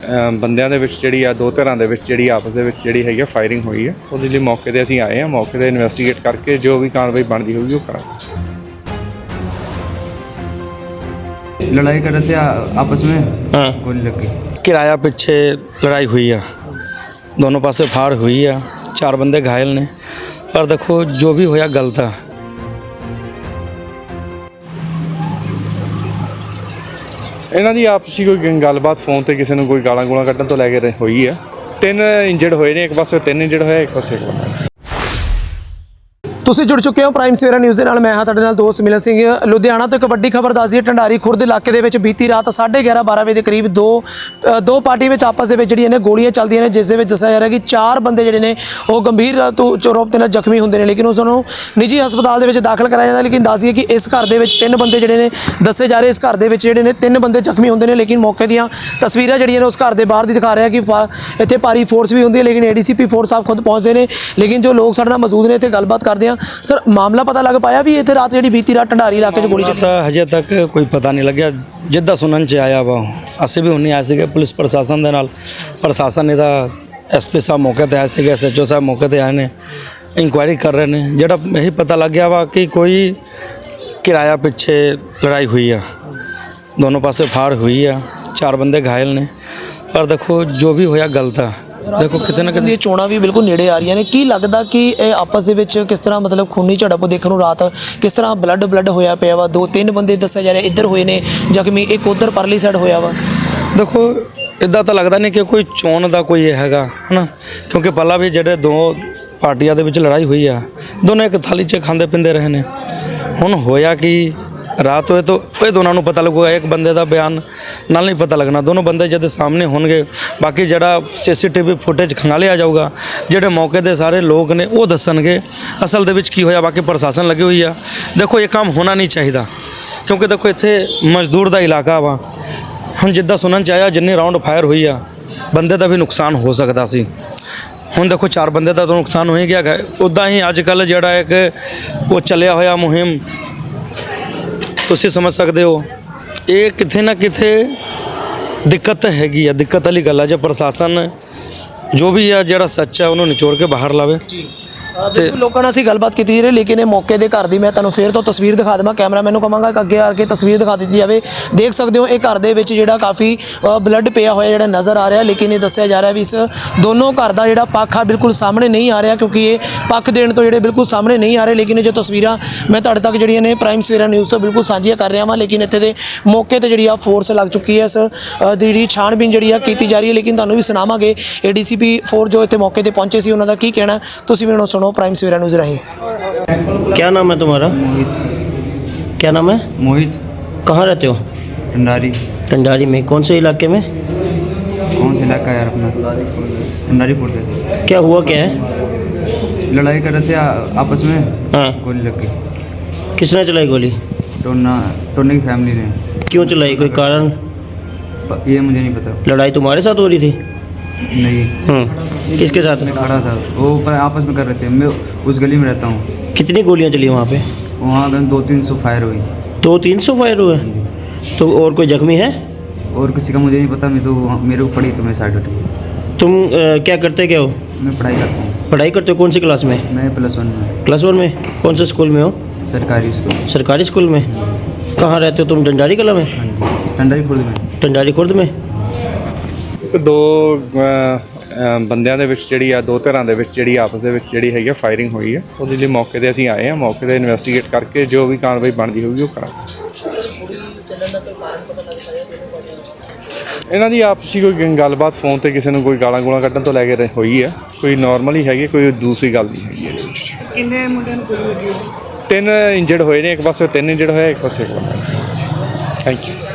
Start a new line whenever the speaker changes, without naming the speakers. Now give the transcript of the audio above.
ਬੰਦਿਆਂ ਦੇ ਵਿੱਚ ਜਿਹੜੀ ਆ ਦੋ ਧਿਰਾਂ ਦੇ ਵਿੱਚ ਜਿਹੜੀ ਆਪਸ ਦੇ ਵਿੱਚ ਜਿਹੜੀ ਹੈਗੀ ਫਾਇਰਿੰਗ ਹੋਈ ਹੈ। ਉਹਦੇ ਲਈ ਮੌਕੇ ਤੇ ਅਸੀਂ ਆਏ ਹਾਂ। ਮੌਕੇ ਤੇ ਇਨਵੈਸਟੀਗੇਟ ਕਰਕੇ ਜੋ ਵੀ ਕਾਰਵਾਈ ਬਣਦੀ ਹੋਊਗੀ ਉਹ ਕਰਾਂਗੇ।
लड़ाई कर रहे थे आपस में।
हाँ,
गोली लग गई।
किराया पीछे लड़ाई हुई है, दोनों पासे फाड़ हुई है, 4 बंदे घायल ने। पर देखो जो भी होया गलत है।
ਇਹਨਾਂ ਦੀ ਆਪਸੀ ਕੋਈ ਗੱਲਬਾਤ ਫੋਨ ਤੇ ਕਿਸੇ ਨੂੰ ਕੋਈ ਗਾਲਾਂ ਗੂਲਾਂ ਕੱਢਣ ਤੋਂ ਲੈ ਕੇ ਹੋਈ ਆ। 3 ਇੰਜਰਡ ਹੋਏ ਨੇ, ਇੱਕ ਪਾਸੇ 3 ਇੰਜਰਡ ਹੋਇਆ, ਇੱਕ ਪਾਸੇ 1 ਬੰਦਾ।
ਤੁਸੀਂ ਜੁੜ ਚੁੱਕੇ ਹੋ ਪ੍ਰਾਈਮ ਸਵੇਰਾ ਨਿਊਜ਼ ਦੇ ਨਾਲ। ਮੈਂ ਹਾਂ ਤੁਹਾਡੇ ਨਾਲ ਦੋਸਤ ਮਿਲਨ ਸਿੰਘ। ਲੁਧਿਆਣਾ ਤੋਂ ਇੱਕ ਵੱਡੀ ਖਬਰ ਦੱਸਦੀ ਹੈ। ਢੰਡਾਰੀ ਖੁਰਦ ਇਲਾਕੇ ਦੇ ਵਿੱਚ ਬੀਤੀ ਰਾਤ 11:30-12 ਵਜੇ ਦੇ ਕਰੀਬ ਦੋ ਪਾਰਟੀ ਵਿੱਚ ਆਪਸ ਦੇ ਵਿੱਚ ਜਿਹੜੀਆਂ ਨੇ ਗੋਲੀਆਂ ਚੱਲਦੀਆਂ ਨੇ, ਜਿਸ ਦੇ ਵਿੱਚ ਦੱਸਿਆ ਜਾ ਰਿਹਾ ਕਿ 4 ਬੰਦੇ ਜਿਹੜੇ ਨੇ ਉਹ ਗੰਭੀਰ ਰੂਪ ਦੇ ਨਾਲ ਜ਼ਖਮੀ ਹੁੰਦੇ ਨੇ, ਲੇਕਿਨ ਉਸ ਨੂੰ ਨਿੱਜੀ ਹਸਪਤਾਲ ਦੇ ਵਿੱਚ ਦਾਖਲ ਕਰਾਇਆ ਜਾਂਦਾ। ਲੇਕਿਨ ਦੱਸ ਦਈਏ ਕਿ ਇਸ ਘਰ ਦੇ ਵਿੱਚ 3 ਬੰਦੇ ਜਿਹੜੇ ਨੇ ਦੱਸੇ ਜਾ ਰਹੇ, ਇਸ ਘਰ ਦੇ ਵਿੱਚ ਜਿਹੜੇ ਨੇ 3 ਬੰਦੇ ਜ਼ਖਮੀ ਹੁੰਦੇ ਨੇ। ਲੇਕਿਨ ਮੌਕੇ ਦੀਆਂ ਤਸਵੀਰਾਂ ਜਿਹੜੀਆਂ ਨੇ ਉਸ ਘਰ ਦੇ ਬਾਹਰ ਦੀ ਦਿਖਾ ਰਿਹਾ ਕਿ ਇੱਥੇ ਭਾਰੀ ਫੋਰਸ ਵੀ ਹੁੰਦੀ ਹੈ, ਲੇਕਿਨ ADCP ਫੋਰਸ ਸਾਹਿਬ ਖੁਦ ਪਹੁੰਚਦੇ ਨੇ। ਲੇਕਿਨ ਜੋ ਲੋਕ ਸਾਡੇ ਨਾਲ ਮੌਜੂਦ ਨੇ ਇੱਥੇ ਗੱਲਬਾਤ ਕਰਦੇ ਆ। ਸਰ, ਮਾਮਲਾ ਪਤਾ ਲੱਗ ਪਾਇਆ ਵੀ ਇੱਥੇ ਰਾਤ ਜਿਹੜੀ ਬੀਤੀ ਰਾਤ ਢੰਡਾਰੀ ਇਲਾਕੇ 'ਚ ਗੋਲੀ ਚੱਲੀ?
ਹਜੇ ਤੱਕ ਕੋਈ ਪਤਾ ਨਹੀਂ ਲੱਗਿਆ। ਜਿੱਦਾਂ ਸੁਣਨ 'ਚ ਆਇਆ ਵਾ, ਅਸੀਂ ਵੀ ਹੁੰਨੇ ਆਏ ਸੀਗੇ ਪੁਲਿਸ ਪ੍ਰਸ਼ਾਸਨ ਦੇ ਨਾਲ। ਪ੍ਰਸ਼ਾਸਨ ਨੇ ਤਾਂ SP ਸਾਹਿਬ ਮੌਕੇ ਤੇ ਆਏ ਸੀਗੇ, SHO ਸਾਹਿਬ ਮੌਕੇ ਤੇ ਆਏ ਨੇ, ਇਨਕੁਆਇਰੀ ਕਰ ਰਹੇ ਨੇ। ਜਿਹੜਾ ਇਹੀ ਪਤਾ ਲੱਗ ਗਿਆ ਵਾ ਕਿ ਕੋਈ ਕਿਰਾਇਆ ਪਿੱਛੇ ਲੜਾਈ ਹੋਈ ਆ, ਦੋਨੋਂ ਪਾਸੇ ਫਾੜ ਹੋਈ ਆ, 4 ਬੰਦੇ ਘਾयल ਨੇ। ਪਰ ਦੇਖੋ ਜੋ ਵੀ ਹੋਇਆ ਗਲਤ ਆ। ਦੇਖੋ ਕਿਤੇ ਨਾ ਕਿਤੇ
ਇਹ ਚੋਣਾਂ ਵੀ ਬਿਲਕੁਲ ਨੇੜੇ ਆ ਰਹੀਆਂ ਨੇ। ਕੀ ਲੱਗਦਾ ਕਿ ਇਹ ਆਪਸ ਦੇ ਵਿੱਚ ਕਿਸ ਤਰ੍ਹਾਂ ਮਤਲਬ ਖੂਨੀ ਝੜਪ ਦੇਖਣ ਨੂੰ ਰਾਤ ਕਿਸ ਤਰ੍ਹਾਂ ਬਲੱਡ ਹੋਇਆ ਪਿਆ ਵਾ? 2-3 ਬੰਦੇ ਦੱਸਿਆ ਜਾ ਰਿਹਾ ਇੱਧਰ ਹੋਏ ਨੇ ਜ਼ਖਮੀ, ਇੱਕ ਉੱਧਰ ਪਰਲੀ ਸਾਈਡ ਹੋਇਆ ਵਾ।
ਦੇਖੋ ਇੱਦਾਂ ਤਾਂ ਲੱਗਦਾ ਨਹੀਂ ਕਿ ਕੋਈ ਚੋਣ ਦਾ ਕੋਈ ਇਹ ਹੈਗਾ ਹੈ ਨਾ, ਕਿਉਂਕਿ ਪਹਿਲਾਂ ਵੀ ਜਿਹੜੇ 2 ਪਾਰਟੀਆਂ ਦੇ ਵਿੱਚ ਲੜਾਈ ਹੋਈ ਆ, ਦੋਨੋਂ ਇੱਕ ਥਾਲੀ 'ਚ ਖਾਂਦੇ ਪੀਂਦੇ ਰਹੇ ਨੇ। ਹੁਣ ਹੋਇਆ ਕਿ ਰਾਤ ਹੋਏ ਤਾਂ ਇਹ ਦੋਨਾਂ ਨੂੰ ਪਤਾ ਲੱਗੂਗਾ। ਇੱਕ ਬੰਦੇ ਦਾ ਬਿਆਨ ਨਾਲ ਨਹੀਂ ਪਤਾ ਲੱਗਣਾ, ਦੋਨੋਂ ਬੰਦੇ ਜਦ ਸਾਹਮਣੇ ਹੋਣਗੇ। ਬਾਕੀ ਜਿਹੜਾ CCTV ਫੁਟੇਜ ਖੰਗਾਲਿਆ ਜਾਊਗਾ, ਜਿਹੜੇ ਮੌਕੇ ਦੇ ਸਾਰੇ ਲੋਕ ਨੇ ਉਹ ਦੱਸਣਗੇ ਅਸਲ ਦੇ ਵਿੱਚ ਕੀ ਹੋਇਆ। ਬਾਕੀ ਪ੍ਰਸ਼ਾਸਨ ਲੱਗੀ ਹੋਈ ਆ। ਦੇਖੋ ਇਹ ਕੰਮ ਹੋਣਾ ਨਹੀਂ ਚਾਹੀਦਾ, ਕਿਉਂਕਿ ਦੇਖੋ ਇੱਥੇ ਮਜ਼ਦੂਰ ਦਾ ਇਲਾਕਾ ਵਾ। ਹੁਣ ਜਿੱਦਾਂ ਸੁਣਨ 'ਚ ਆਇਆ ਜਿੰਨੇ ਰਾਊਂਡ ਫਾਇਰ ਹੋਈ ਆ, ਬੰਦੇ ਦਾ ਵੀ ਨੁਕਸਾਨ ਹੋ ਸਕਦਾ ਸੀ। ਹੁਣ ਦੇਖੋ 4 ਬੰਦੇ ਦਾ ਤਾਂ ਨੁਕਸਾਨ ਹੋ ਹੀ ਗਿਆ। ਉੱਦਾਂ ਹੀ ਅੱਜ ਕੱਲ੍ਹ ਜਿਹੜਾ ਇੱਕ ਉਹ ਚੱਲਿਆ ਹੋਇਆ ਮੁਹਿੰਮ, ਤੁਸੀਂ ਸਮਝ ਸਕਦੇ ਹੋ, ਇਹ ਕਿਤੇ ਨਾ ਕਿਤੇ ਦਿੱਕਤ ਹੈਗੀ ਆ। ਦਿੱਕਤ ਵਾਲੀ ਗੱਲ ਆ। ਜੇ ਪ੍ਰਸ਼ਾਸਨ ਜੋ ਵੀ ਆ ਜਿਹੜਾ ਸੱਚ ਆ ਉਹਨੂੰ ਨਿਚੋੜ ਕੇ ਬਾਹਰ ਲਾਵੇ।
ਤੇ ਲੋਕਾਂ ਨਾਲ ਅਸੀਂ ਗੱਲਬਾਤ ਕੀਤੀ ਜੀ, ਲੇਕਿਨ ਇਹ ਮੌਕੇ ਦੇ ਘਰ ਦੀ ਮੈਂ ਤੁਹਾਨੂੰ ਫੇਰ ਤੋਂ ਤਸਵੀਰ ਦਿਖਾ ਦੇਵਾਂ। ਕੈਮਰਾਮੈਨ ਨੂੰ ਕਹਾਂਗਾ ਕਿ ਅੱਗੇ ਆ ਕੇ ਤਸਵੀਰ ਦਿਖਾ ਦਿੱਤੀ ਜਾਵੇ। ਦੇਖ ਸਕਦੇ ਹੋ ਇਹ ਘਰ ਦੇ ਵਿੱਚ ਜਿਹੜਾ ਕਾਫੀ ਬਲੱਡ ਪਿਆ ਹੋਇਆ ਜਿਹੜਾ ਨਜ਼ਰ ਆ ਰਿਹਾ। ਲੇਕਿਨ ਇਹ ਦੱਸਿਆ ਜਾ ਰਿਹਾ ਵੀ ਇਸ ਦੋਨੋਂ ਘਰ ਦਾ ਜਿਹੜਾ ਪੱਖ ਆ ਬਿਲਕੁਲ ਸਾਹਮਣੇ ਨਹੀਂ ਆ ਰਿਹਾ, ਕਿਉਂਕਿ ਇਹ ਪੱਖ ਦੇਣ ਤੋਂ ਜਿਹੜੇ ਬਿਲਕੁਲ ਸਾਹਮਣੇ ਨਹੀਂ ਆ ਰਹੇ। ਲੇਕਿਨ ਇਹ ਜੋ ਤਸਵੀਰਾਂ ਮੈਂ ਤੁਹਾਡੇ ਤੱਕ ਜਿਹੜੀਆਂ ਨੇ ਪ੍ਰਾਈਮ ਸਵੇਰਾ ਨਿਊਜ਼ ਤੋਂ ਬਿਲਕੁਲ ਸਾਂਝੀਆਂ ਕਰ ਰਿਹਾ ਵਾਂ। ਲੇਕਿਨ ਇੱਥੇ ਦੇ ਮੌਕੇ ਤੇ ਜਿਹੜੀ ਆ ਫੋਰਸ ਲੱਗ ਚੁੱਕੀ ਹੈ। ਇਸ ਦੀ ਜਿਹੜੀ ਛਾਣਬੀਨ ਜਿਹੜੀ ਆ ਕੀਤੀ ਜਾ ਰਹੀ ਹੈ। ਲੇਕਿਨ ਤੁਹਾਨੂੰ ਵੀ ਸੁਣਾਵਾਂਗੇ ADCP ਫੋਰਸ ਜੋ ਇੱਥੇ ਮੌਕੇ ਤੇ ਪਹੁੰਚੇ ਸੀ ਉਹਨਾਂ ਦਾ ਕੀ ਕਹਿਣਾ, ਤੁਸੀਂ ਵੀ ਹੁਣ ਸੁਣੋ ਪ੍ਰਾਈਮ ਸਵੇਰਾ न्यूज़ रहे।
क्या नाम है तुम्हारा?
मोहित।
क्या नाम है?
मोहित।
कहाँ रहते हो?
ढंडारी।
ढंडारी में कौन से इलाके में?
कौन सा इलाका है यार अपना? ढंडारी पुर से।
क्या हुआ क्या है?
लड़ाई कर रहे थे आपस में।
हाँ,
गोली लग गई।
किसने चलाई गोली?
टोने की फैमिली ने।
क्यों चलाई, कोई कारण?
ये मुझे नहीं पता।
लड़ाई तुम्हारे साथ हो रही थी?
नहीं।
किसके साथ?
मैं खड़ा था, वो आपस में कर रहे थे। मैं उस गली में रहता हूँ।
कितनी गोलियां चली वहाँ पे?
वहाँ 200-300 फायर हुई।
200-300 फायर हुए? तो और कोई जख्मी है?
और किसी का मुझे नहीं पता। मैं तो मेरे को पड़ी तो मैं साइड हटी।
तुम क्या करते क्या हो?
मैं पढ़ाई करता हूँ।
पढ़ाई करते हो? कौन सी क्लास में?
मैं +1 में।
+1 में? कौन से स्कूल में हो?
सरकारी स्कूल।
सरकारी स्कूल में। कहाँ रहते हो तुम? ढंडारी कला में?
हाँ जी, ढंडारी खुर्द में।
ढंडारी खुर्द में।
2 ਬੰਦਿਆਂ ਦੇ ਵਿੱਚ ਜਿਹੜੀ ਆ ਦੋ ਧਿਰਾਂ ਦੇ ਵਿੱਚ ਜਿਹੜੀ ਆਪਸ ਦੇ ਵਿੱਚ ਜਿਹੜੀ ਹੈਗੀ ਫਾਇਰਿੰਗ ਹੋਈ ਹੈ। ਉਹਦੇ ਲਈ ਮੌਕੇ ਤੇ ਅਸੀਂ ਆਏ ਹਾਂ। ਮੌਕੇ ਤੇ ਇਨਵੈਸਟੀਗੇਟ ਕਰਕੇ ਜੋ ਵੀ ਕਾਰਵਾਈ ਬਣਦੀ ਹੋਊਗੀ ਉਹ ਕਰਾਂਗੇ। ਇਹਨਾਂ ਦੀ ਆਪਸੀ ਕੋਈ ਗੱਲਬਾਤ ਫੋਨ ਤੇ ਕਿਸੇ ਨੂੰ ਕੋਈ ਗਾਲਾਂ ਗੂਲਾਂ ਕੱਢਣ ਤੋਂ ਲੈ ਕੇ ਹੋਈ ਹੈ। ਕੋਈ ਨਾਰਮਲ ਹੀ ਹੈਗੀ, ਕੋਈ ਦੂਸਰੀ ਗੱਲ ਨਹੀਂ ਹੈਗੀ ਇਹਦੇ ਵਿੱਚ।
ਕਿੰਨੇ ਮੁੰਡਿਆਂ ਨੂੰ ਗੋਲੀ ਲੱਗੀ?
3 ਇੰਜਰਡ ਹੋਏ ਨੇ, ਇੱਕ ਪਾਸੇ 3 ਇੰਜਰਡ ਹੋਇਆ, ਇੱਕ ਪਾਸੇ 1 ਬੰਦਾ। Thank you.